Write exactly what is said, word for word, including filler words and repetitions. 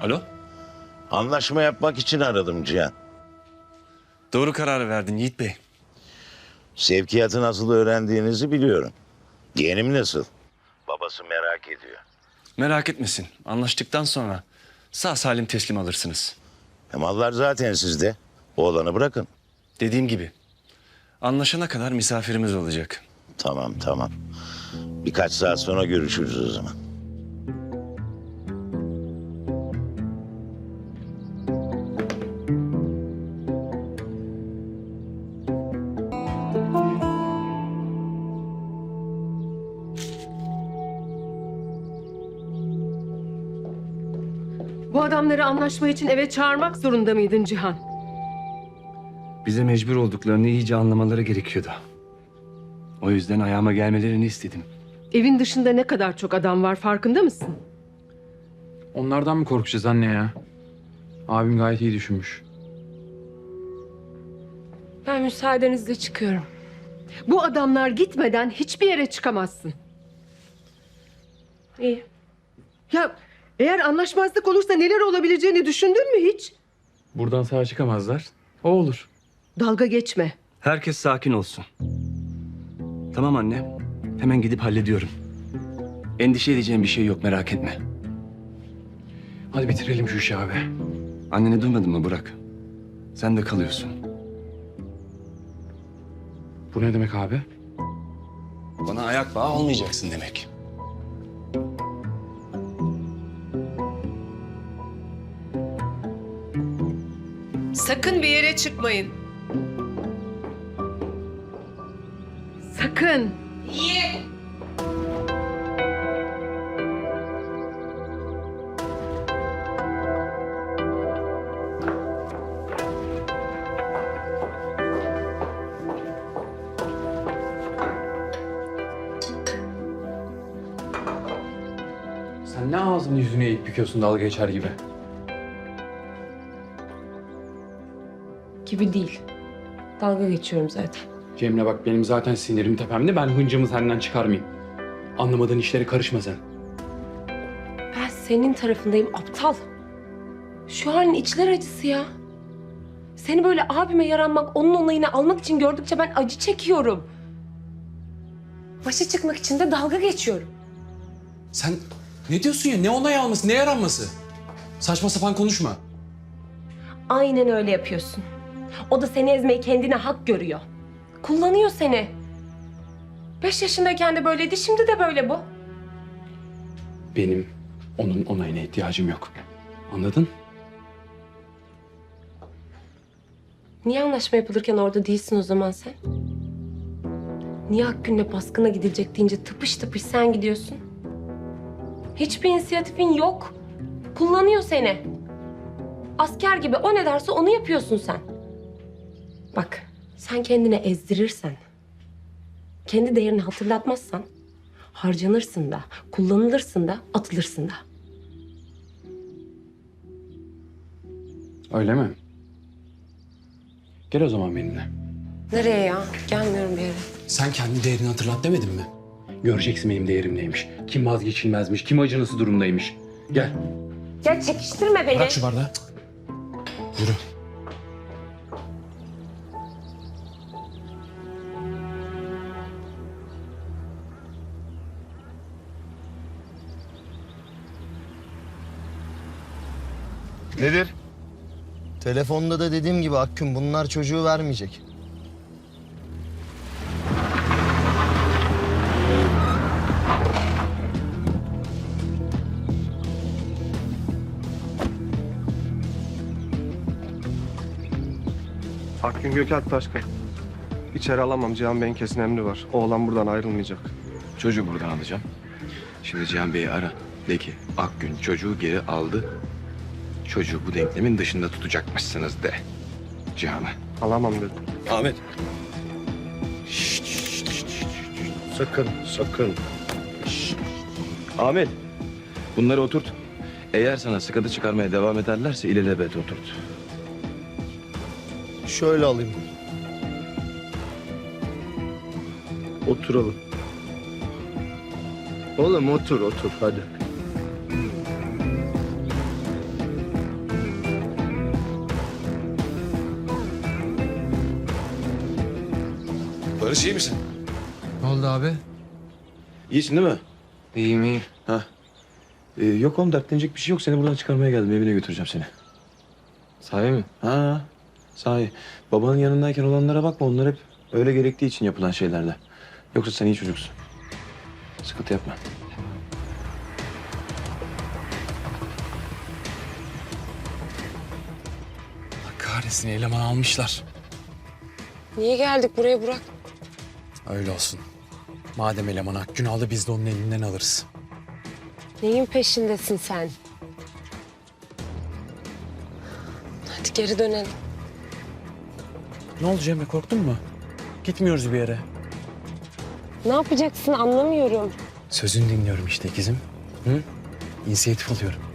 Alo? Anlaşma yapmak için aradım Cihan. Doğru kararı verdin Yiğit Bey. Sevkiyatı nasıl öğrendiğinizi biliyorum. Yeğenim nasıl? Babası merak ediyor. Merak etmesin. Anlaştıktan sonra sağ salim teslim alırsınız. E mallar zaten sizde. Oğlanı bırakın. Dediğim gibi. Anlaşana kadar misafirimiz olacak. Tamam tamam. Birkaç saat sonra görüşürüz o zaman. Bu adamları anlaşma için eve çağırmak zorunda mıydın Cihan? Bize mecbur olduklarını iyice anlamaları gerekiyordu. O yüzden ayağıma gelmelerini istedim. Evin dışında ne kadar çok adam var farkında mısın? Onlardan mı korkacağız anne ya? Abim gayet iyi düşünmüş. Ben müsaadenizle çıkıyorum. Bu adamlar gitmeden hiçbir yere çıkamazsın. İyi. Ya eğer anlaşmazlık olursa neler olabileceğini düşündün mü hiç? Buradan sağ çıkamazlar. O olur. Dalga geçme. Herkes sakin olsun. Tamam anne. Hemen gidip hallediyorum. Endişe edeceğim bir şey yok, merak etme. Hadi bitirelim şu işi abi. Anneni duymadın mı Burak? Sen de kalıyorsun. Bu ne demek abi? Bana ayak bağı olmayacaksın demek. Sakın bir yere çıkmayın. Sakın. İyi. Sen ne ağzını yüzünü eğip büküyorsun dalga geçer gibi? Gibi değil. Dalga geçiyorum zaten. Cemre bak benim zaten sinirim tepemde. Ben hıncımı senden çıkarmayayım. Anlamadığın işlere karışma sen. Ben senin tarafındayım aptal. Şu an içler acısı ya. Seni böyle abime yaranmak, onun onayını almak için gördükçe ben acı çekiyorum. Başa çıkmak için de dalga geçiyorum. Sen ne diyorsun ya? Ne onay alması, ne yaranması? Saçma sapan konuşma. Aynen öyle yapıyorsun. O da seni ezmeyi kendine hak görüyor. Kullanıyor seni. Beş yaşındayken de böyleydi, şimdi de böyle bu. Benim onun onayına ihtiyacım yok. Anladın? Niye anlaşma yapılırken orada değilsin o zaman sen? Niye Akgün'le baskına gidilecek deyince tıpış tıpış sen gidiyorsun? Hiçbir inisiyatifin yok. Kullanıyor seni. Asker gibi o ne derse onu yapıyorsun sen. Bak, sen kendini ezdirirsen, kendi değerini hatırlatmazsan, harcanırsın da, kullanılırsın da, atılırsın da. Öyle mi? Gel o zaman benimle. Nereye ya? Gelmiyorum bir yere. Sen kendi değerini hatırlat demedin mi? Göreceksin benim değerim neymiş. Kim vazgeçilmezmiş, kim acınası durumdaymış. Gel. Ya çekiştirme beni. Bırak şu bardağı. Yürü. Nedir? Telefonda da dediğim gibi Akgün bunlar çocuğu vermeyecek. Akgün Gökalp Taşkın. İçeri alamam. Cihan Bey'in kesin emri var. Oğlan buradan ayrılmayacak. Çocuğu buradan alacağım. Şimdi Cihan Bey'i ara. De ki Akgün çocuğu geri aldı. Çocuğu bu denklemin dışında tutacakmışsınız de. Cihan'a. Alamam dedim. Ahmet. Sakın, sakın. Ahmet. Bunları oturt. Eğer sana sıkıntı çıkarmaya devam ederlerse ilelebet oturt. Şöyle alayım. Oturalım. Oğlum otur, otur hadi. Barış iyi misin? Ne oldu abi? İyisin değil mi? İyiyim iyiyim. Ha. Ee, yok oğlum dertlenecek bir şey yok. Seni buradan çıkarmaya geldim. Evine götüreceğim seni. Sahi mi? Ha. Sahi. Babanın yanındayken olanlara bakma. Onlar hep öyle gerektiği için yapılan şeylerle. Yoksa sen iyi çocuksun. Sıkıntı yapma. Allah kahretsin, eleman almışlar. Niye geldik buraya Burak? Öyle olsun. Madem eleman Akgün aldı biz de onun elinden alırız. Neyin peşindesin sen? Hadi geri dönelim. Ne oldu Cemre, korktun mu? Gitmiyoruz bir yere. Ne yapacaksın anlamıyorum. Sözünü dinliyorum işte ikizim. Hı? İnisiyatif alıyorum.